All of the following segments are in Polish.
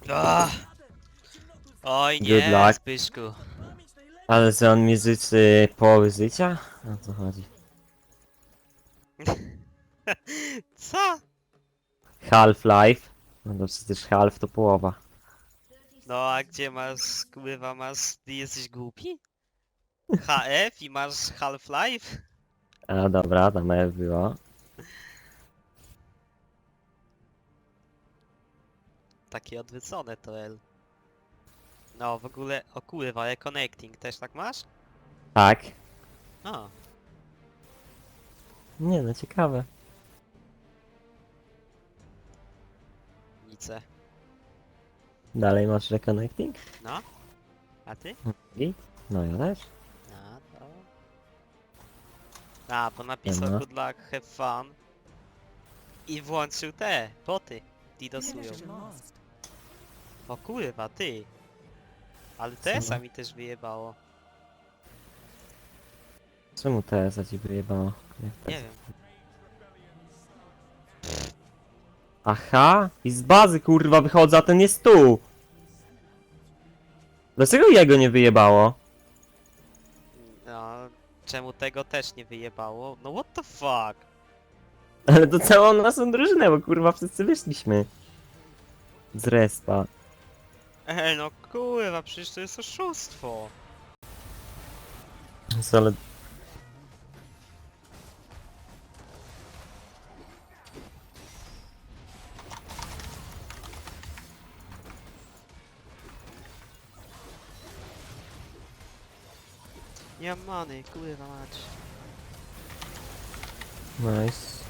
Ah! Oj Good nie, luck. Zbyszku. Ale że on mi życzy połowy życia? O co chodzi? Co? Half-Life? No to przecież half to połowa. No a gdzie masz, kurwa, ty jesteś głupi? HF i masz Half-Life? A dobra, tam F było. Takie odwrócone to L. No w ogóle, o kurwa, Reconnecting też tak masz? Tak. O, Nie no, ciekawe. nice. Dalej masz reconnecting? No? A ty? I? No ja też. No to... A, bo napisał Siema. good luck, have fun. I włączył te, boty. Didosują. O kurwa, ty. Ale TS-a mi też wyjebało. Czemu TS-a ci wyjebało? Nie wiem. Aha! I z bazy kurwa wychodzę, a ten jest tu! Dlaczego jego nie wyjebało? No, czemu tego też nie wyjebało? No what the fuck? Ale to całą naszą drużynę, bo kurwa wszyscy wyszliśmy. Z respa. No kurwa, przecież to jest oszustwo. Ale... Nie mam many, kurwa mać. Nice.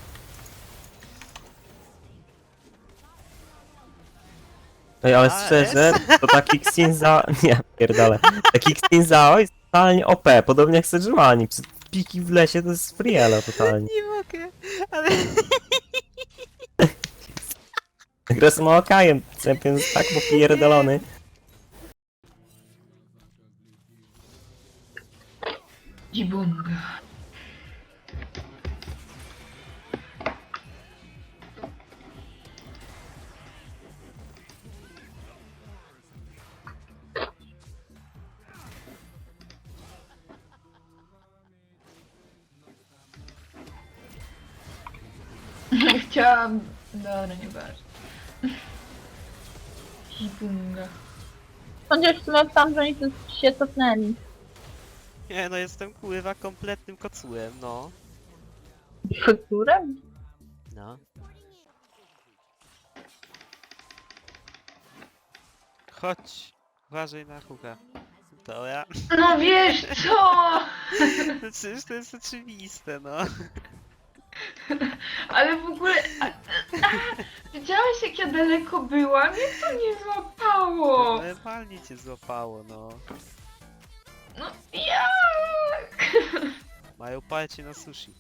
Ej, ale A, szczerze, to taki Xinza... Nie, pierdolę. Taki Xinzao jest totalnie OP, podobnie jak Sejuani. Piki w lesie to jest friela totalnie. Nie mogę, ale... Gra z Maokajem, champion jest tak popierdolony. Jibunga. Chciałam... Dobra, nieważne. Jibunga. Chociaż mam tam, że oni tu się cofnęli. Nie no, jestem kurwa kompletnym kocułem, no. Którym? No. Chodź, uważaj na huka. To ja. No wiesz co? No przecież to jest oczywiste, no. Ale w ogóle... Widziałeś jak ja daleko byłam? Mnie to nie złapało! Normalnie cię złapało, no. No jak? Mają palcie na sushi.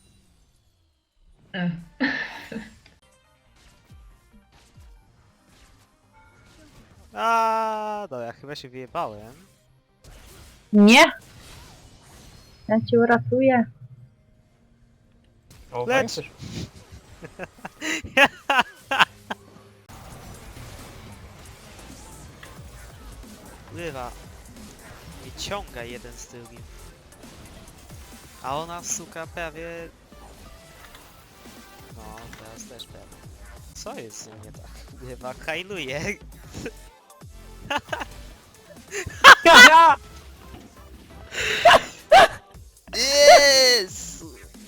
A, dobra, chyba się wyjebałem. Nie! Ja cię uratuję. Lecz! Pływa. I ciąga jeden z drugim. A ona suka prawie... No, teraz też prawie. Co jest z nią nie tak? Pływa, hajluje. Yes!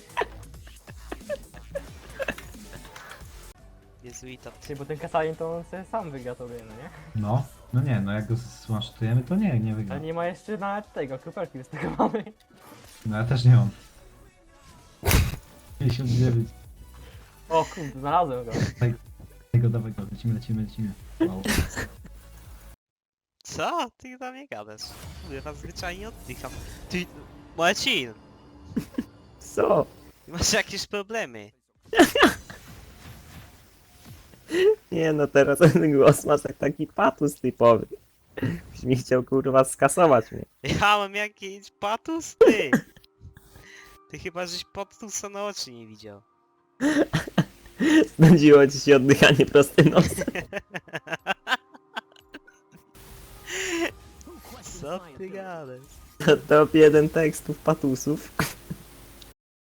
Jezuita. Ty, bo ten Kasalin to on sobie sam wygra tobie, no nie? No, no nie, no jak go zmasztujemy, to nie wygra. Ale nie ma jeszcze nawet tego, kropelki z tego mamy. No ja też nie mam. 59. O kurde, znalazłem go. Dawaj go, lecimy. Wow. Co? Ty do mnie gadasz? Pływa, zwyczajnie oddycham. Ty... Marcin! Co? Ty masz jakieś problemy. Nie no, teraz ten głos masz jak taki patus typowy. Byś mi chciał kurwa skasować mnie. Ja mam jakiś patus? Ty! Ty chyba żeś patusa na oczy nie widział. Znudziło ci się oddychanie prostym nosem. Co ty gadasz? Top 1 tekstów patusów.